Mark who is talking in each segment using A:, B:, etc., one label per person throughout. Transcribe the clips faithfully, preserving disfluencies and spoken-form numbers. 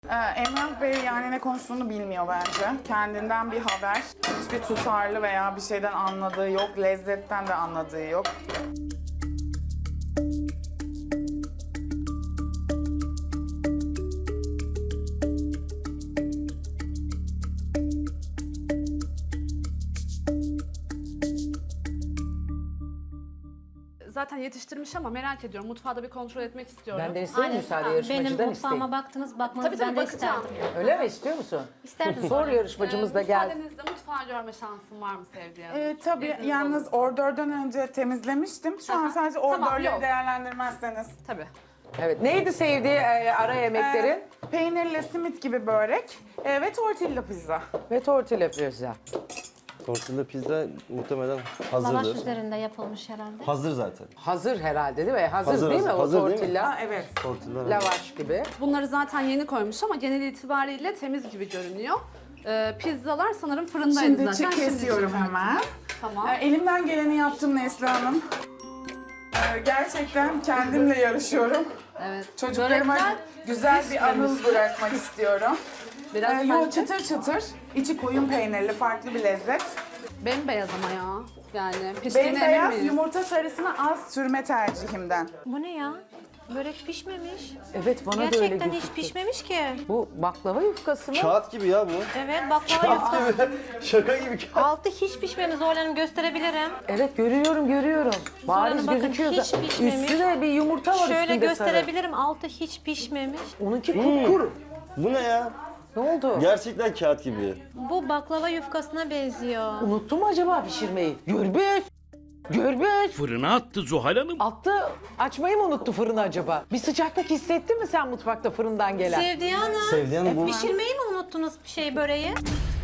A: Ee, Emrah Bey yani ne konuştuğunu bilmiyor bence. Kendinden bir haber. Hiçbir tutarlı veya bir şeyden anladığı yok. Lezzetten de anladığı yok.
B: Zaten yetiştirmiş ama merak ediyorum. Mutfağı da bir kontrol etmek istiyorum.
C: Benden isteyin müsaade, yarışmacıdan
D: Benim
C: isteyin.
D: mutfağıma baktınız, bakmanızı
B: Tabii tabii
D: ben de
B: bakacağım.
D: isterdim.
C: Öyle mi, istiyor musun?
D: İsterdim.
C: Sor, yarışmacımız da geldi.
B: Müsaadenizle mutfağı görme şansım var mı Sevdiğim?
A: Ee, tabii
B: İzniniz
A: yalnız
B: olursa.
A: ordörden önce temizlemiştim. Şu an
B: Aha,
A: sadece
B: tamam,
A: ordörleri
B: yok.
A: değerlendirmezseniz.
B: Tabii.
C: Evet, neydi sevdiği e, ara yemeklerin?
A: Ee, peynirli simit gibi börek e, ve tortilla pizza.
C: Ve tortilla pizza.
E: Tortilla pizza muhtemelen
D: Lavaş
E: hazırdır.
D: üzerinde yapılmış herhalde.
E: Hazır zaten.
C: Hazır herhalde değil mi? Hazır,
E: Hazır,
C: değil mi
E: hazır.
C: o
E: Hazır değil mi?
C: tortilla?
A: Ha, evet.
E: Tortilla
C: Lavaş gibi.
B: Bunları zaten yeni koymuş ama genel itibariyle temiz gibi görünüyor. Ee, pizzalar sanırım fırındaydı
A: Şimdi
B: zaten.
A: çi- kesiyorum
B: çıkarttım.
A: hemen.
B: Tamam.
A: Ee, elimden geleni yaptım Neslihan Hanım. Ee, gerçekten kendimle yarışıyorum.
B: Evet.
A: Çocuklarıma
B: Börekler
A: güzel bir anı
B: pişmemiş.
A: bırakmak istiyorum.
B: Biraz
A: Ee, yo,
B: sanki
A: çıtır çıtır, içi koyun peynirli, farklı bir lezzet.
B: bembeyaz ama ya. Yani piştiğine emin
A: Bembeyaz
B: miyiz?
A: yumurta sarısını az sürme tercihimden.
D: Bu ne ya? Börek pişmemiş.
C: Evet, bana da öyle
D: Gerçekten hiç
C: gözüktü.
D: pişmemiş ki.
C: Bu baklava yufkası mı?
E: Kağıt gibi ya bu.
D: Evet, baklava yufkası.
E: Şaka gibi kağıt.
D: Altı hiç pişmemiş. Zorlanım gösterebilirim.
C: Evet, görüyorum, görüyorum. Bariz
D: Hanım, bakın,
C: gözüküyor.
D: hiç
C: da.
D: pişmemiş.
C: Üstüne bir yumurta var
D: Şöyle
C: üstünde
D: gösterebilirim. Altı hiç pişmemiş.
C: sarı. Onunki kupkuru.
E: Bu ne ya?
C: Ne oldu?
E: Gerçekten kağıt gibi.
D: Bu baklava yufkasına benziyor.
C: Unuttu mu acaba pişirmeyi? Gürbüz! Gürbüz!
F: Fırına attı Zuhal Hanım.
C: Attı. Açmayı mı unuttu fırını acaba? Bir sıcaklık hissettin mi sen mutfakta fırından gelen?
D: Sevdiği Hanım.
E: Sevdiği Hanım bu-
D: Pişirmeyi mi unuttunuz bir şey böreği?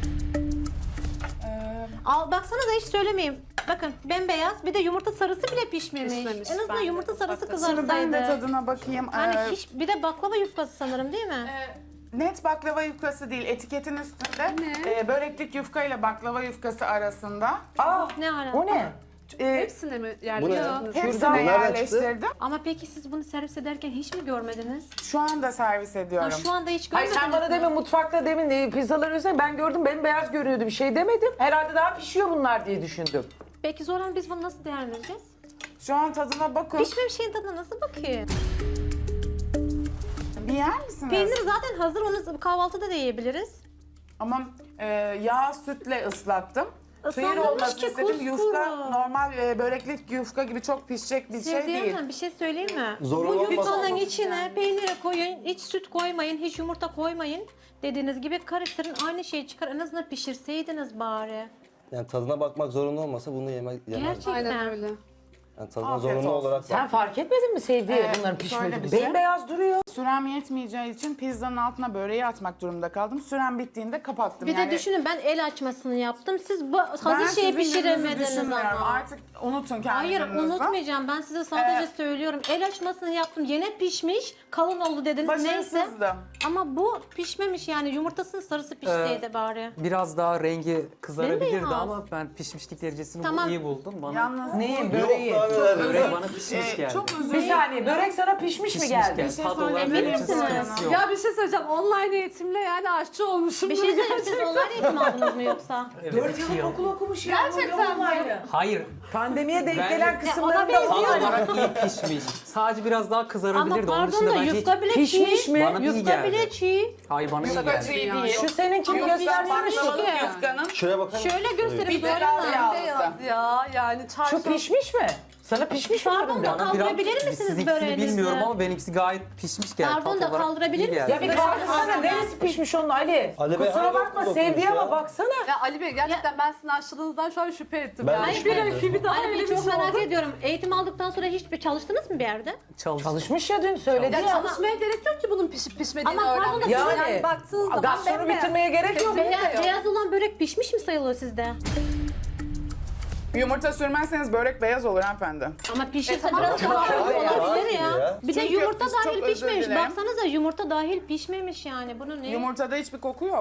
D: Al baksanıza hiç söylemeyeyim. Bakın bembeyaz bir de yumurta sarısı bile pişmemiş.
B: Pişmemiş,
D: En azından
B: ben de
D: yumurta sarısı
B: baktım.
A: Şimdi ben de
D: kızarsaydı.
A: tadına bakayım.
D: Hani
A: Ee,
D: hiç bir de baklava yufkası sanırım değil mi?
A: Net baklava yufkası değil, etiketin üstünde e, böreklik yufka ile baklava yufkası arasında.
C: Aa,
D: Ne ara?
C: o ne?
A: E,
B: Hepsine mi
E: Bu ne?
B: yerleştirdiniz?
A: hepsini
E: Nereden
A: yerleştirdim.
D: Ama peki siz bunu servis ederken hiç mi görmediniz?
A: Şu anda servis
D: Ha,
A: ediyorum.
D: şu anda hiç
C: Hayır
D: görmediniz
C: sen bana
D: mi?
C: demin mutfakta demin e, pizzaları üzerine ben gördüm bembeyaz görünüyordu bir şey demedim. Herhalde daha pişiyor bunlar diye düşündüm.
D: Peki Zoran biz bunu nasıl değerlendireceğiz?
A: Şu an tadına bakın.
D: Pişmemiş şeyin tadına nasıl bakayım?
A: Bir yer misiniz?
D: Peynir zaten hazır onu kahvaltıda da yiyebiliriz.
A: Ama e, yağ sütle ıslattım. Sıyır
D: Islandırmış
A: olması
D: ki
A: istedim.
D: kuskuru.
A: Yufka normal e, böreklik yufka gibi çok pişecek bir şey
D: Sevdiğim
A: değil.
D: Hanım bir şey söyleyeyim mi?
E: Zorun
D: Bu
E: olmaz.
D: yufkanın içine peyniri koyun, hiç süt koymayın, hiç yumurta koymayın. Dediğiniz gibi karıştırın aynı şeyi çıkar. En azından pişirseydiniz bari.
E: Yani tadına bakmak zorunda olmasa bunu yemek yemezdim.
D: Gerçekten.
B: Aynen öyle.
E: Yani tadına
A: Afiyet
E: zorunda
A: olsun.
E: olarak
C: Sen
E: bak.
C: fark etmedin mi sevdiği
A: Ee,
C: bunların
A: şöyle
C: pişmediğini?
A: bir şey.
C: Bembeyaz duruyor.
A: Sürem yetmeyeceği için pizzanın altına böreği atmak durumunda kaldım. Sürem bittiğinde kapattım.
D: Bir
A: yani,
D: de düşünün ben el açmasını yaptım. Siz bu
A: ben
D: hazır şeyi
A: sizin gününüzü
D: pişiremediniz
A: düşünmüyorum.
D: ama.
A: Artık unutun kendi
D: Hayır
A: gününüzü.
D: unutmayacağım. Ben size sadece
A: Ee,
D: söylüyorum. El açmasını yaptım. Yine pişmiş. Kalın oldu dediniz. Neyse.
A: Başarısızdı.
D: Ama bu pişmemiş yani. Yumurtasının sarısı pişseydi bari.
G: Biraz daha rengi kızarabilirdi
D: Bembeyaz.
G: ama ben pişmişlik derecesini
D: Tamam.
G: iyi buldum. Bana
A: Yalnız
C: Neyi?
E: Yok
C: Böreği.
E: daha neler.
G: börek bana pişmiş
A: e,
G: geldi.
A: çok özür
C: Bir saniye börek sana pişmiş, mi geldi?
G: geldi.
A: şey
G: Tad olarak
A: söyleyebilir
G: benim için
D: misiniz?
G: sıkıntısı yok.
B: Ya bir şey söyleyeceğim. Online eğitimle yani aşçı olmuşum.
D: Bir şey söyleyeyim siz online eğitim aldınız mı yoksa?
G: Evet,
C: Dört
G: iki
C: yıl
G: yıl.
C: okul okumuş ya.
B: Gerçekten mi?
G: Hayır.
C: Pandemiye denk
G: Ben-
C: gelen
G: Ya,
C: kısımlarında
D: ona
G: Tad
C: var.
G: olarak iyi pişmiş. Sadece biraz daha
D: Ama
G: kızarabilirdi. Onun
D: pardon
G: dışında
D: da
G: bence
D: yufka bile
C: pişmiş
D: çiğ.
C: mi?
G: Bana iyi
D: Yufka
G: geldi.
D: bile çiğ.
G: Hayır bana iyi
A: Yufka
G: geldi.
A: çiğ değil.
C: Şu seninkini
A: Ama
C: göstersene şu.
A: baklavalık
D: Peki.
A: yufkanın
E: Şuraya bakar mısın?
D: Şöyle göstereyim.
A: Bir
D: Zoran
A: biraz
D: Hanım.
A: yağlısı.
B: Beyaz ya yani
C: Şu
B: çarşı.
C: pişmiş mi? Sana pişmiş mi
D: Pardon
C: dedim
D: da
C: ben?
G: Bana
D: kaldırabilir misiniz
G: sizinkini
D: böreğinizi?
G: bilmiyorum ama benimkisi gayet pişmiş geldi.
D: Pardon
G: Tat
D: da
G: olarak
D: kaldırabilir
G: iyi geldi.
C: Ya bir kalksana neresi pişmiş onun Ali?
E: Ali Bey,
C: Kusura
E: hangi
C: bakma
E: okul
C: sevdiği
E: okumuş
C: ama
E: ya?
C: baksana.
B: Ya Ali Bey gerçekten ben sizin aşçılığınızdan şu an şüphe ettim.
E: Ben de
B: yani.
E: şüphe
B: bir
E: ettim.
B: rakibi daha
D: Hani
B: öyle
D: bir
B: bir
D: çok
B: şey
D: merak
B: oldu.
D: ediyorum. Eğitim aldıktan sonra hiç bir çalıştınız mı bir yerde?
G: Çalış.
C: Çalışmış ya dün söyledi
B: Ya
C: ya.
B: çalışmaya gerek yok ki bunun pişip pişmediğini
D: Ama pardon da
B: öğrenmek.
C: Yani,
B: Yani, baktığınız zaman
C: Gastronu
B: bembeyaz.
C: bitirmeye gerek yok.
B: Kesinlikle
D: Beyaz,
B: yok.
D: beyaz olan börek pişmiş mi sayılıyor sizde?
A: yumurta sürmezseniz börek beyaz olur hanımefendi.
D: Ama pişirse
B: E, tamam,
D: biraz
B: tamam.
D: kızarmış
E: Hayır,
D: olabilir
E: hayır
D: ya.
E: ya.
D: Bir de
A: Çünkü
D: yumurta
A: biz çok
D: dahil
A: özür
D: pişmemiş.
A: dilerim.
D: Baksanıza yumurta dahil pişmemiş yani. Bunun ne?
A: Yumurtada hiçbir koku yok.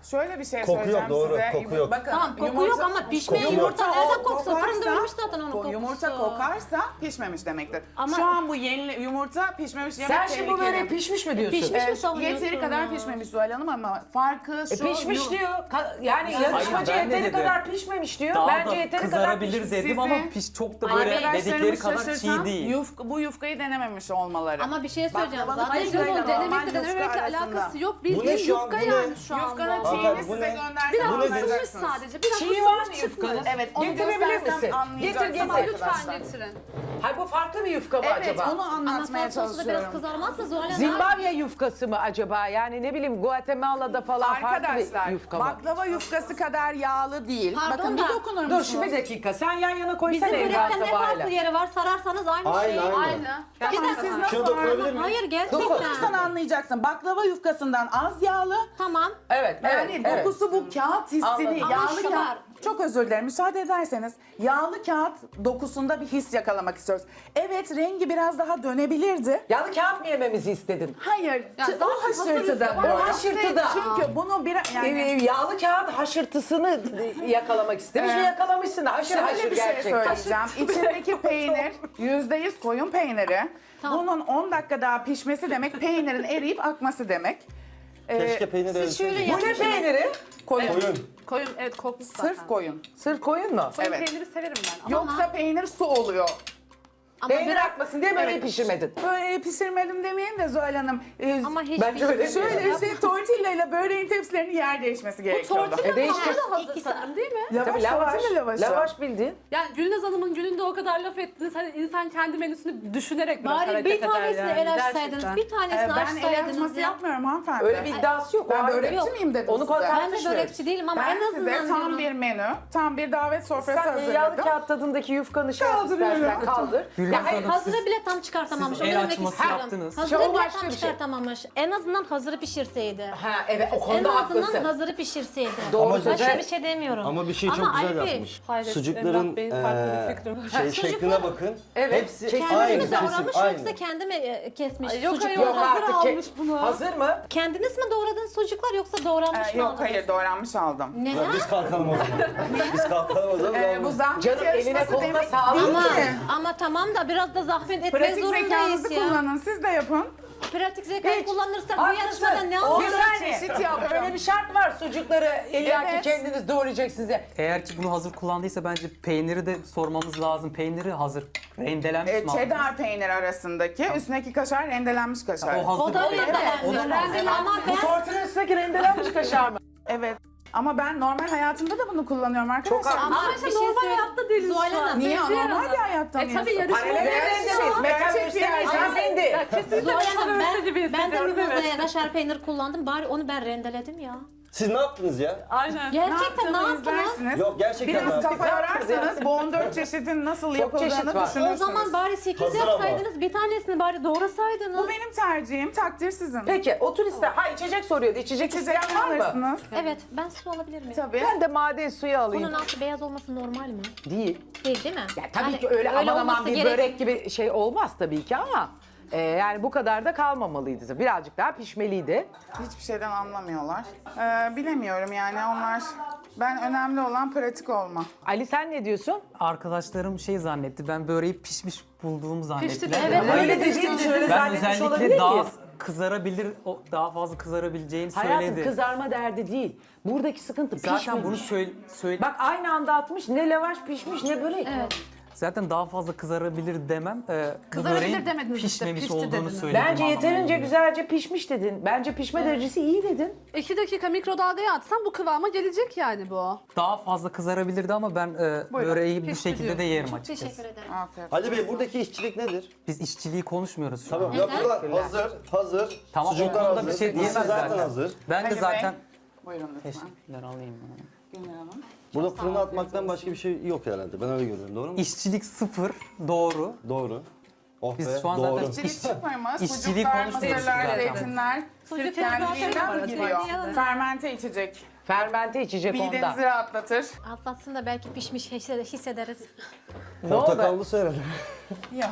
A: Şöyle bir şey
E: Koku yok,
A: söyleyeceğim
E: doğru,
A: size.
E: koku yok.
A: Bakın,
D: Tamam koku yok ama pişmeyen
E: Koku yok.
D: yumurta nereden
A: o
D: koksa? Fırında ölmüş zaten onun
A: ko-
D: kokusu.
A: Yumurta kokarsa pişmemiş demektir.
D: Ama-
A: Şu an bu yeni yumurta pişmemiş yemek
C: Sen şimdi bu
A: tehlikeli.
C: böreği pişmiş mi diyorsun?
D: Pişmiş.
A: Ee,
D: mi savunuyorsun
A: Yeteri kadar
D: ya?
A: pişmemiş Zuhal Hanım ama farkı şu...
C: E pişmiş
A: yu-
C: diyor. Ka- yani yarışmacı
G: ben de
C: yeteri
G: dedim.
C: kadar pişmemiş diyor.
G: Daha
C: Bence
G: da
C: yeteri kadar
G: kızarabilir
C: pişmiş.
G: dedim
A: Sizi-
G: ama piş çok da böyle
A: Arkadaşlarımı
G: dedikleri kadar çiğ
A: şaşırtan
G: değil.
A: yufka- bu yufkayı denememiş olmaları.
D: Ama bir şey söyleyeceğim.
A: Baklavalı
D: Zaten
B: Hayır
A: Yufkayla
B: canım
A: normal
B: denemekle
A: yufka
B: denemekle
A: arasında.
B: alakası yok.
E: Bu ne
B: Bildiğin
E: şu an,
B: yufka
E: bu ne?
B: yani şu anda.
A: Yufkanın
E: Hanımefendi,
A: çiğini
E: bu
A: size
E: ne?
A: göndersem
B: Biraz
E: Bu nedir?
B: ısınmış
A: anlayacaksınız.
B: sadece. Biraz
C: Çiğ
B: ısınmış
C: var mı
B: çıkmış.
C: yufkanın?
A: Evet, onu
C: Getirebilir
A: göstersem
C: misin?
A: anlayacaksınız
C: Getir, getir.
B: Ama lütfen
A: arkadaşlar.
B: getirin.
C: Hayır bu farklı bir yufka mı
A: Evet,
C: acaba?
A: onu
D: Ama
A: anlatmaya
D: sos sosu da biraz
A: çalışıyorum.
D: kızarmaz mı Zuhal Hanım?
C: Zimbabwe yufkası mı acaba? Yani ne bileyim Guatemala'da falan farklı
A: Arkadaşlar,
C: bir yufka mı?
A: baklava yufkası kadar yağlı değil.
D: Pardon
A: Bakın
D: da-
A: bir dokunur
C: Dur
A: musunuz?
C: şimdi bir dakika. Sen yan yana
D: Bizim
C: koysana Evren
D: börekten ne
C: tabağıyla.
D: farklı yeri var? Sararsanız aynı
E: Aynı,
D: şey.
E: aynı.
B: Aynı.
D: Bir dakika.
A: Siz
E: Şuna
A: nasıl
E: dokunabilir
A: anladın?
E: miyim?
D: Hayır gerçekten.
A: Dokunursan anlayacaksın. Baklava yufkasından az yağlı.
D: Tamam.
C: Evet,
A: Yani
C: evet, evet.
A: dokusu bu kağıt hissini,
C: Anladım.
D: Ama
A: yağlı
D: şu
A: kağıt.
D: var.
A: Çok özür dilerim. Müsaade ederseniz yağlı kağıt dokusunda bir his yakalamak istiyoruz. Evet, rengi biraz daha dönebilirdi.
C: Yağlı kağıt mı yememizi istedin?
A: Hayır,
B: Ya
A: t-
B: zaten
A: o haşırtıda.
B: hazır-
A: O
C: o haşırtıda.
A: Çünkü bunu bir
C: Yani...
A: yani
C: yağlı kağıt haşırtısını yakalamak istemiş ve
A: Evet.
C: yakalamışsın. Haşır haşır
A: şöyle bir şey
C: gerçekten.
A: söyleyeceğim. İçindeki peynir yüzde yüz koyun peyniri.
D: Tamam.
A: Bunun on dakika daha pişmesi demek peynirin eriyip akması demek. Ee,
E: Keşke peynir
D: Siz şöyle
E: ölseydi.
C: Bu ne peyniri?
A: koyun.
E: Koyun.
B: Koyun evet kokmuş zaten.
A: Sırf koyun.
C: Sırf koyun mu?
B: Koyun
A: Evet.
B: peyniri severim ben.
A: Yoksa peynir su oluyor.
D: Ama
C: Peynir
D: biraz
C: akmasın diye böyle pişirmedin.
A: Böyle pişirmedim demeyeyim de Zuhal Hanım. Ee,
D: ama hiç
C: Bence öyle
D: pişmiyor.
A: Şöyle işte tortilla ile böreğin tepsilerinin yer değişmesi gerekiyordu.
B: Tortilla
C: E, değiştir.
B: falan da hazır
D: İki
B: sanırım değil mi?
A: Lavaş,
C: Tabii lavaş.
A: tortilla lavaşı.
C: Lavaş bildiğin.
B: Yani Gülnaz Hanım'ın gününde o kadar laf ettiniz. Hani insan kendi menüsünü düşünerek biraz
D: Bari
B: hareket
D: bir
B: eder
D: tanesini
B: yani.
D: el açsaydınız,
B: Gerçekten.
D: bir tanesini
A: Ee, ben el
D: açsaydınız
A: açması
D: ya.
A: yapmıyorum hanımefendi.
C: Öyle bir iddiası yok. O
A: Ben
C: ayrı.
A: börekçi
D: Yok.
A: miyim dedim
C: Onu
A: size.
C: korkar-
D: Ben de
C: tartışmıyoruz.
D: börekçi değilim ama
A: Ben
D: en azından
A: size tam
D: diyorum.
A: bir menü, tam bir davet sofrası
C: Sen yağlı
A: hazırladım.
C: kağıt tadındaki yufkanı şey yap
A: Kaldırıyorum.
C: istersen kaldır.
G: Gülnaz
C: Ya hayır,
G: Hanım,
D: Hazırı
G: siz-
D: bile tam çıkartamamış.
G: siz
D: Onu
G: el
D: demek
G: açması
D: istiyorum.
G: yaptınız.
D: Hazırı
C: Şey, o
D: bile
C: başka
D: tam
C: bir şey.
D: çıkartamamış. En azından hazırı pişirseydi.
C: Ha evet o
D: En
C: konuda
D: azından
C: haklısın.
D: hazırı pişirseydi.
C: Doğru
D: Başka
C: söylüyorsun.
D: bir şey demiyorum.
E: Ama bir şey çok
D: Ama
E: güzel
D: Ali Bey,
E: yapmış.
B: Hayret,
E: Sucukların
B: Emrah Bey'in farklı bir
E: eee,
B: fikri var.
E: şey
D: Sucuklar-
E: şekline bakın.
C: Evet,
E: Hepsi
C: kendi
E: aynı
D: Kendi mi
E: kesim,
D: doğramış
E: aynı.
D: yoksa kendi mi e, kesmiş?
B: Ay, yok,
D: sucuk
B: hayır,
C: Yok
B: hazır
C: artık
B: almış
C: ki-
B: bunu.
C: Hazır mı?
D: Kendiniz mi doğradınız sucuklar yoksa doğranmış
A: Ee,
D: mı
A: yok
D: aldınız?
A: hayır doğranmış aldım.
E: Ya
D: Neden?
E: biz kalkalım o zaman. Biz kalkalım o zaman.
A: Ee, bu
E: Yalnız-
A: zahmet
C: Canım, eline
A: yarışması
C: koluna
A: demek
C: sağlık.
A: değil
D: Ama,
A: ki.
D: ama tamam da biraz da zahmet etmek
A: Pratik
D: zorundayız
A: zekanızı
D: ya.
A: kullanın, siz de yapın.
D: Pratik zekayı
C: Hiç.
D: kullanırsak bu
C: Haklısın.
D: yarışmada ne
C: O
D: anlıyoruz?
C: saniye.
A: Çeşit yapacağım.
C: Öyle bir şart var sucukları illaki
A: Evet.
C: kendiniz doğrayacaksınız ya.
G: Eğer ki bunu hazır kullandıysa bence peyniri de sormamız lazım. Peyniri hazır rendelenmiş
A: Ee,
G: mi? aldınız?
A: cheddar peynir arasındaki üstündeki kaşar rendelenmiş kaşar.
G: O hazır
D: O da
G: peynir.
D: rendelenmiş.
G: O zaman
D: Rendeli ama
C: Bu
D: ben
C: tortunun üstündeki rendelenmiş kaşar mı?
A: Evet. Ama ben normal hayatımda da bunu kullanıyorum arkadaşlar.
C: Çok
D: ama
B: Ama
D: bir
B: işte
D: şey
B: normal
D: söyle-
B: hayatta değiliz
D: Zuhal
B: şu an.
D: Hanım,
A: Niye?
B: Zeytin
A: Normal
B: Hanım.
A: bir hayatta
B: E
A: mıyız?
B: tabii yarışma.
C: Paralel evrendeyiz. Mekan
A: Gerçek
C: gösterisi
A: bir-
C: sen
B: Ya
C: indi.
B: kesinlikle
D: Zuhal
B: bana
D: Hanım
B: böyle gibi
D: ben, ben de
B: hissediyorum, evet.
D: limonata kaşar peynir kullandım. Bari onu ben rendeledim ya.
E: Siz ne yaptınız ya?
B: Aynen.
D: Gerçekten ne
A: yaptığımı
D: yaptınız?
A: izlersiniz.
E: Yok gerçekten
A: Biraz
E: ben.
A: kafa yorarsanız bu on dört çeşidin nasıl
C: Çok çeşit
A: yapıldığını
C: var.
A: düşünürsünüz.
D: O zaman bari sekiz
E: Hazır ama.
D: yapsaydınız, bir tanesini bari doğrasaydınız.
A: Bu benim tercihim, takdir sizin.
C: Peki otur iste. Ha içecek soruyordu. İçecek
A: İçecek
C: isteyen var mı?
A: alırsınız.
D: Evet, ben su alabilir miyim?
A: Tabii.
C: Ben de maden suyu alayım.
D: Bunun altı beyaz olması normal mi?
C: Değil.
D: Değil değil mi?
C: Ya tabii
D: Yani
C: ki öyle, aman aman
D: olması
C: bir
D: gerek-
C: börek gibi şey olmaz tabii ki ama e, yani bu kadar da kalmamalıydı. Birazcık daha pişmeliydi.
A: Hiçbir şeyden anlamıyorlar. Ee, bilemiyorum yani onlar... Ben önemli olan pratik olma.
C: Ali sen ne diyorsun?
G: Arkadaşlarım şey zannetti. Ben böreği pişmiş bulduğumu zannettiler.
B: Evet,
G: Hayır,
C: öyle dediğin için öyle
G: ben
C: zannetmiş olabilir
G: özellikle daha
C: ki.
G: kızarabilir, o- daha fazla kızarabileceğini
C: Hayatım
G: söyledi.
C: kızarma derdi değil. Buradaki sıkıntı
G: Zaten
C: pişmemiş.
G: bunu söyle, söyle
C: Bak aynı anda atmış ne lavaş pişmiş ne börek.
D: Evet.
G: zaten daha fazla kızarabilir demem. Ee, bu
B: Kızarabilir
G: böreğin
B: demediniz işte,
G: pişmemiş
B: pişti
G: olduğunu
B: dediniz.
G: söyledim.
C: Bence
G: anlamına
C: yeterince
G: geliyor.
C: güzelce pişmiş dedin. Bence pişme derecesi iyi dedin.
B: İki dakika mikrodalgaya atsam bu kıvama gelecek yani bu.
G: Daha fazla kızarabilirdi ama ben e, böreği bu
B: Pişti
G: şekilde
B: diyorsun.
G: de yerim
D: Çok
G: açıkçası.
D: teşekkür ederim.
A: Afiyet.
E: Ali Bey buradaki işçilik nedir?
G: Biz işçiliği konuşmuyoruz şu
E: Tamam
G: an.
E: yapılan hazır, hazır.
G: Tamam,
E: Sucuklar
G: o konuda
E: hazır.
G: bir şey diyemez
E: Mısır zaten
G: zaten.
E: hazır.
G: Ben de
A: Ali
G: zaten...
A: Bey, buyurun lütfen.
G: Teşekkürler alayım.
A: Güler Hanım.
E: Burada fırına atmaktan başka bir şey yok herhalde. Ben öyle görüyorum. Doğru mu?
G: İşçilik sıfır, doğru.
E: Doğru. Oh
G: Biz
E: be,
G: şu an
E: doğru.
G: zaten-
A: İşçilik sıfırmaz.
G: İşçiliği
A: Sucuklar,
G: konuşmuyoruz
A: mısırlar,
G: zaten.
A: zeytinler.
D: Sucuk
A: Sırf
D: kendiliğinden
A: kendiliğinden
D: gidiyor.
A: gidiyor. Fermente içecek.
C: Fermente içecek onda.
A: Midenizi rahatlatır.
D: Atlatsın da belki pişmiş hisse- hissederiz.
C: Ne oldu?
E: Portakallı herhalde.
A: Ya.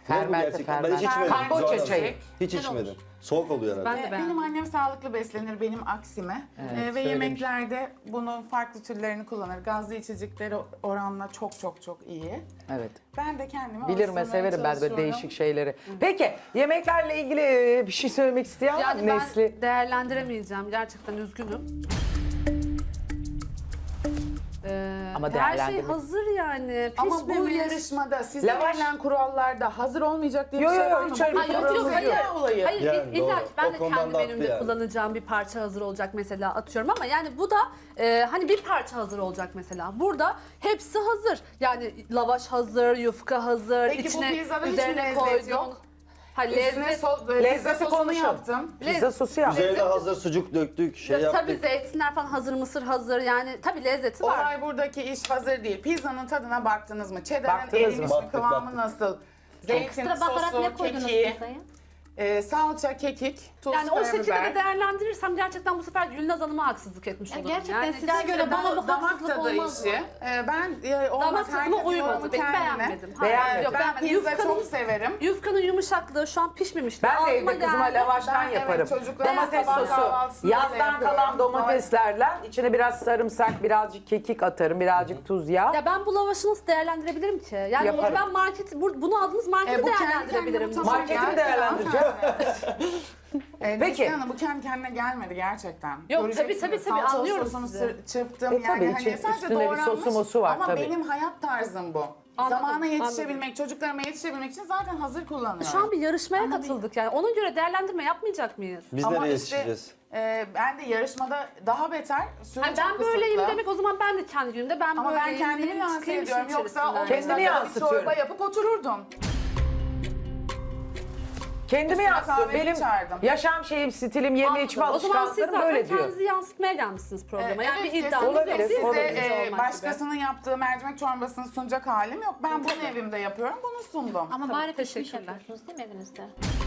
E: Soğuk mu
C: Fermente,
E: gerçekten? Ben hiç
C: fermente.
E: içmedim.
C: Kamboçya
E: Zuhal Hanım.
C: çayı.
E: Hiç içmedim. Soğuk oluyor herhalde.
B: Ben de
A: Ee,
B: beğendim.
A: Benim annem sağlıklı beslenir, benim aksime. Ee, ve yemeklerde bunun farklı türlerini kullanır. Gazlı içecekleri oranla çok çok çok iyi.
C: Evet.
A: Ben de kendime
C: Bilirim ve
A: alıştırmaya
C: severim ben böyle
A: çalışıyorum.
C: değişik şeyleri. Peki yemeklerle ilgili e, bir şey söylemek isteyen var mı?
B: Yani ben
C: Nesli?
B: değerlendiremeyeceğim. Gerçekten üzgünüm. Ee,
C: Ama
B: her şey
C: değerlendirmek-
B: hazır yani.
A: Ama bu
B: Pişmemiş.
A: yarışmada size
C: Lavaş-
A: verilen kurallarda hazır olmayacak diye
C: Yo,
A: bir şey
C: yo,
A: var mı?
C: hiç öyle bir
A: Bu
B: Ha, yok yok
C: kuralımız
B: hayır.
A: zeka olayı.
B: Hayır
E: Yani
B: illa
E: doğru.
B: ki ben
E: O
B: de
E: konudan
B: kendi
E: da haklı
B: menümde
E: yani.
B: kullanacağım bir parça hazır olacak mesela atıyorum ama yani bu da e, hani bir parça hazır olacak mesela. Burada hepsi hazır. Yani lavaş hazır, yufka hazır,
A: Peki bu
B: içine
A: pizzada hiç mi
B: üzerine
A: lezzet
B: koyduğun.
A: yok?
B: Ha
A: Üstüne
B: lezzet.
A: so böyle pizza
C: Lezzeti
A: sosunu
C: konuşalım.
A: yaptım.
C: Pizza sosu yap.
E: Üzerine hazır sucuk döktük, şey
B: Tabii
E: yaptık.
B: zeytinler falan hazır, mısır hazır yani tabii lezzeti var.
A: Olay buradaki iş hazır değil. Pizzanın tadına baktınız mı? Cheddar'ın
C: Baktınız mı?
A: erimiş mi?
E: Baktık,
A: Kıvamı
E: baktık.
A: nasıl? Zeytin
D: Ekstra baharat ne
A: sosu,
D: koydunuz
A: kekiği,
D: pizzaya?
A: e, salça, kekik, tuz,
B: Yani o şekilde
A: karabiber.
B: de değerlendirirsem gerçekten bu sefer Gülnaz Hanım'a haksızlık etmiş
D: Ya
B: olurum.
D: gerçekten
B: yani
D: size
B: gerçekten
D: göre bana bu
A: damak
D: haksızlık
A: tadı
D: olmaz
A: işi.
D: mı?
A: E, ben e, olmaz
B: damak tadıma
A: herkesin
B: uymadı.
A: yorumu
B: Ben
A: kendine.
B: beğenmedim.
C: Beğenmedin.
B: Yok,
A: Ben
B: beğenmedim.
A: pizza
B: Yufkanın-
A: çok severim.
B: Yufkanın yumuşaklığı şu an pişmemişti.
C: Ben de
B: Ağzıma
C: evde kızıma
B: geldi.
C: lavaştan
A: Ben, evet,
C: yaparım.
A: çocuklara
C: Domates
A: sabah
C: sosu,
A: kahvaltısında da
C: yazdan
A: yapıyorum.
C: kalan domateslerle içine biraz sarımsak, birazcık kekik atarım, birazcık tuz, yağ.
B: Ya ben bu lavaşı nasıl değerlendirebilirim ki? Yani
C: Yaparım.
B: ben market, bu- bunu aldığınız marketi
A: E, bu kendi
B: değerlendirebilirim.
A: kendine
C: Marketi mi
A: Gerçekten.
C: değerlendireceğim?
A: E,
C: Peki.
A: Neslihan Hanım, bu kendi kendine gelmedi gerçekten.
B: Yok,
A: Göreceksiniz.
B: tabii, tabii, tabii,
A: Salçalı
B: anlıyorum
A: sosunu
B: sizi.
A: sır- çırptım
C: E,
A: yani
C: tabii,
A: hani
C: için-
A: sadece
C: üstüne bir
A: doğranmış.
C: sosu mosu var,
A: Ama
C: tabii.
A: benim hayat tarzım bu.
B: Anladım,
A: Zamana yetişebilmek, çocuklarıma yetişebilmek için zaten hazır kullanıyorum.
B: Şu an bir yarışmaya
A: Ama
B: katıldık yani. Ona göre değerlendirme yapmayacak mıyız?
E: Biz
A: Ama
E: nereye
A: işte,
E: yetişeceğiz?
A: e, ben de yarışmada daha beter, süre
B: Hani
A: çok
B: ben böyleyim
A: kısıtlı.
B: demek o zaman ben de kendi günümde ben
A: Ama ben
B: böyleyim
A: kendimi
B: diyeyim,
A: lanse
B: çıkayım işin
A: ediyorum. Yoksa
B: içerisinden.
A: o
C: Kendini
A: bir
C: yansıtıyorum.
A: çorba yapıp otururdum.
C: Kendimi
A: Üstüne
C: yansıtıyorum.
A: kahve
C: Benim
A: içerdim.
C: yaşam şeyim, stilim, yeme
B: Anladım.
C: içme
B: O zaman siz
C: alışkanlıklarım
B: zaten
C: böyle diyor.
B: kendinizi yansıtmaya gelmişsiniz programa.
A: Ee,
B: yani
A: evet,
B: bir iddianız yok.
C: olabilir,
B: Siz
C: olabilir.
B: de
A: Size e,
B: olmak
A: başkasının yaptığı mercimek çorbasını sunacak halim yok. Ben bunu evimde yapıyorum, bunu sundum.
D: Ama bari pişmiş
B: teşekkürler.
D: yapıyorsunuz değil mi evinizde?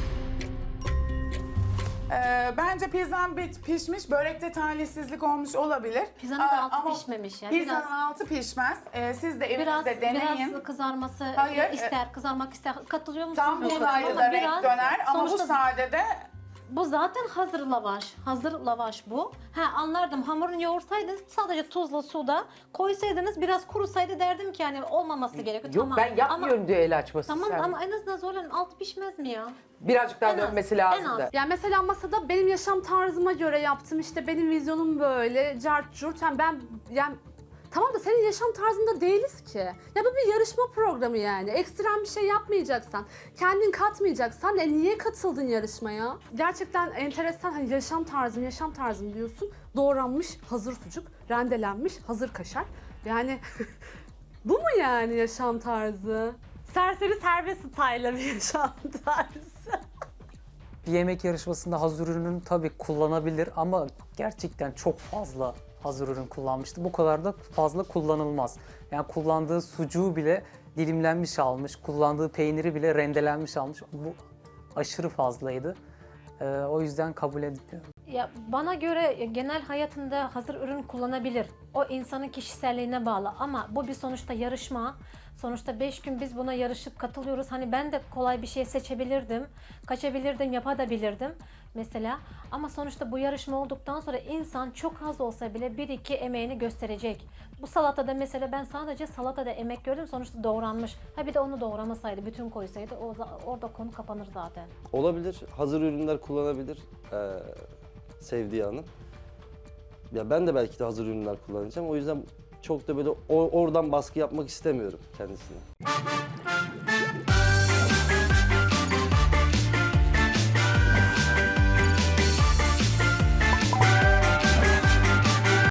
A: Ee, bence pizzam bit pişmiş, börekte talihsizlik olmuş olabilir.
D: Pizzanın
A: Aa,
D: da altı
A: ama
D: pişmemiş ya.
A: Pizzanın
D: Biraz-
A: altı pişmez. Ee, siz de
D: Biraz,
A: evinizde deneyin.
D: biraz kızarması
A: Hayır,
D: ister, kızarmak ister. Katılıyor musunuz?
A: Tam
D: bilmiyorum
A: buğdaylı
D: ama
A: da
D: biraz-
A: renk döner ama bu
D: sonuçta
A: sadede
D: bu zaten hazır lavaş. Hazır lavaş bu. Ha anlardım. Hamurunu yoğursaydınız sadece tuzla suda koysaydınız biraz kurusaydı derdim ki yani olmaması gerekiyor.
C: Yok
D: tamam.
C: ben yapmıyorum
D: Ama,
C: diyor el açması.
D: tamam
C: sen.
D: ama en azından zorlanın altı pişmez mi ya?
C: Birazcık daha
D: En az,
C: dönmesi
D: en
C: lazım
D: az.
C: da.
B: Yani mesela masada benim yaşam tarzıma göre yaptım. İşte benim vizyonum böyle, cart curt. Yani ben yani tamam da senin yaşam tarzında değiliz ki. Ya bu bir yarışma programı yani. Ekstrem bir şey yapmayacaksan, kendin katmayacaksan e niye katıldın yarışmaya? Gerçekten enteresan hani yaşam tarzım, yaşam tarzım diyorsun. Doğranmış hazır sucuk, rendelenmiş hazır kaşar. Yani bu mu yani yaşam tarzı? Serseri serbest style'la bir yaşam tarzı.
G: Bir yemek yarışmasında hazır ürünün tabii kullanabilir ama gerçekten çok fazla hazır ürün kullanmıştı. Bu kadar da fazla kullanılmaz. Yani kullandığı sucuğu bile dilimlenmiş almış, kullandığı peyniri bile rendelenmiş almış. Bu aşırı fazlaydı. Ee, o yüzden kabul etmiyorum.
D: Ya bana göre genel hayatında hazır ürün kullanabilir. O insanın kişiselliğine bağlı ama bu bir sonuçta yarışma. Sonuçta beş gün biz buna yarışıp katılıyoruz. Hani ben de kolay bir şey seçebilirdim. Kaçabilirdim, yapabilirdim mesela. Ama sonuçta bu yarışma olduktan sonra insan çok az olsa bile bir iki emeğini gösterecek. Bu salatada mesela ben sadece salatada emek gördüm. Sonuçta doğranmış. Ha bir de onu doğramasaydı, bütün koysaydı o, orada konu kapanır zaten.
E: Olabilir. Hazır ürünler kullanabilir. Ee, sevdiği hanım. Ya ben de belki de hazır ürünler kullanacağım. O yüzden çok da böyle o- oradan baskı yapmak istemiyorum kendisine.